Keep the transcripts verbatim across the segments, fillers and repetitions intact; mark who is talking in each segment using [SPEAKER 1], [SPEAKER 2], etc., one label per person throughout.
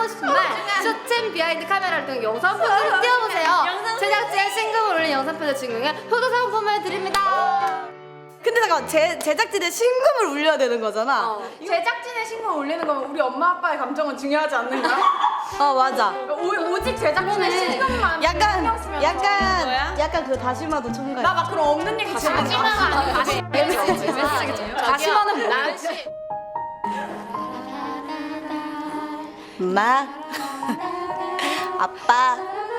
[SPEAKER 1] 하고 싶은 말 쇼챔 비하인드 카메라를 통해 영상 편지를 띄워보세요. 제작진의 신금을 올린 영상 편지 증명에 효도 상품을 드립니다.
[SPEAKER 2] 근데 잠깐 제 제작진의 신금을 울려야 되는 거잖아.
[SPEAKER 1] 어.
[SPEAKER 3] 제작진의 신곡을 올리는 거면 우리 엄마 아빠의 감정은 중요하지 않는가?
[SPEAKER 2] 어 맞아.
[SPEAKER 3] 오, 오직 제작진의 신곡만
[SPEAKER 2] 약간
[SPEAKER 3] 신경 쓰면
[SPEAKER 2] 약간
[SPEAKER 3] 거야?
[SPEAKER 2] 약간 그 다시마도 첨가해.
[SPEAKER 3] 나 막 그런 없는 얘기 진짜
[SPEAKER 1] 다시마가 아니고 다시마는 다시마는 뭐야?
[SPEAKER 2] 엄마, 아빠.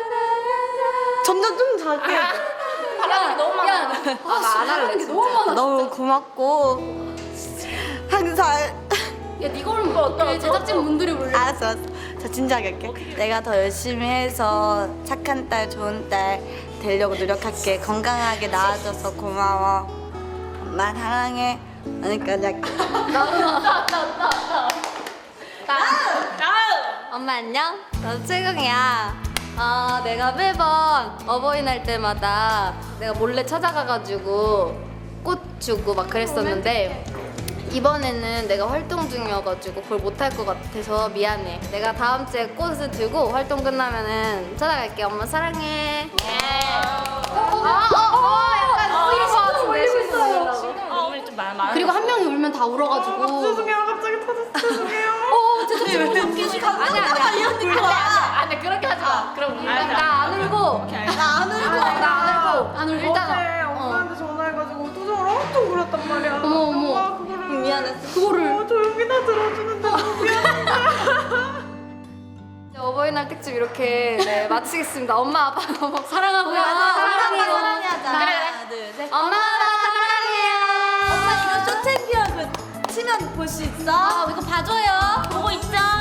[SPEAKER 2] 점점 좀 작게.
[SPEAKER 1] 야, 너무 많아. 야, 나안 할래. 진짜. 너무 많아.
[SPEAKER 2] 너무 고맙고 항상.
[SPEAKER 1] 야, 네가 올면 뭐 어때? 제작진 분들이 몰려.
[SPEAKER 2] 알았어, 알았어. 자 진지하게 할게. 내가 더 열심히 해서 착한 딸, 좋은 딸 되려고 노력할게. 건강하게 나아져서 고마워. 엄마 사랑해. 그러니까 엄마 안녕. 나도 채경이야. 아 내가 매번 어버이날 때마다 내가 몰래 찾아가가지고 꽃 주고 막 그랬었는데 이번에는 내가 활동 중이어가지고 그걸 못할 것 같아서 미안해. 내가 다음 주에 꽃을 들고 활동 끝나면은 찾아갈게. 엄마 사랑해. 아, 어, 어, 약간 울릴 것 같은데 신고. 그리고 한 명이 울면 다 울어가지고.
[SPEAKER 3] 죄송해요 갑자기 터졌어 죄송해요
[SPEAKER 1] 어, 진짜 지금 아니 아니
[SPEAKER 2] 이런 느낌 와.
[SPEAKER 1] 아니 그렇게 하지 마. 그럼 나 안 울고.
[SPEAKER 2] 나안 울고.
[SPEAKER 1] 나 안 울고. 안 울고
[SPEAKER 3] 어제
[SPEAKER 1] 일단. 어.
[SPEAKER 3] 엄마한테 전화해가지고 투정을 엄청 부렸단 말이야
[SPEAKER 1] 어머, 어머.
[SPEAKER 3] 엄마 그거를
[SPEAKER 2] 미안했어.
[SPEAKER 1] 그거를.
[SPEAKER 3] 어, 조용히 다 들어주는데 너무 미안해
[SPEAKER 1] 어버이날 특집 이렇게 네, 마치겠습니다. 엄마 아빠 너무 사랑하고요.
[SPEAKER 2] 사랑해,
[SPEAKER 1] 사랑해요.
[SPEAKER 2] 사랑해하자.
[SPEAKER 1] 그래, 그래.
[SPEAKER 2] 하나, 둘, 셋.
[SPEAKER 1] 엄마 아빠 사랑해요.
[SPEAKER 2] 엄마 이거 쇼챔피언 그 치면 볼 수 있어?
[SPEAKER 1] 아, 이거 봐줘요.
[SPEAKER 4] 보고 있죠?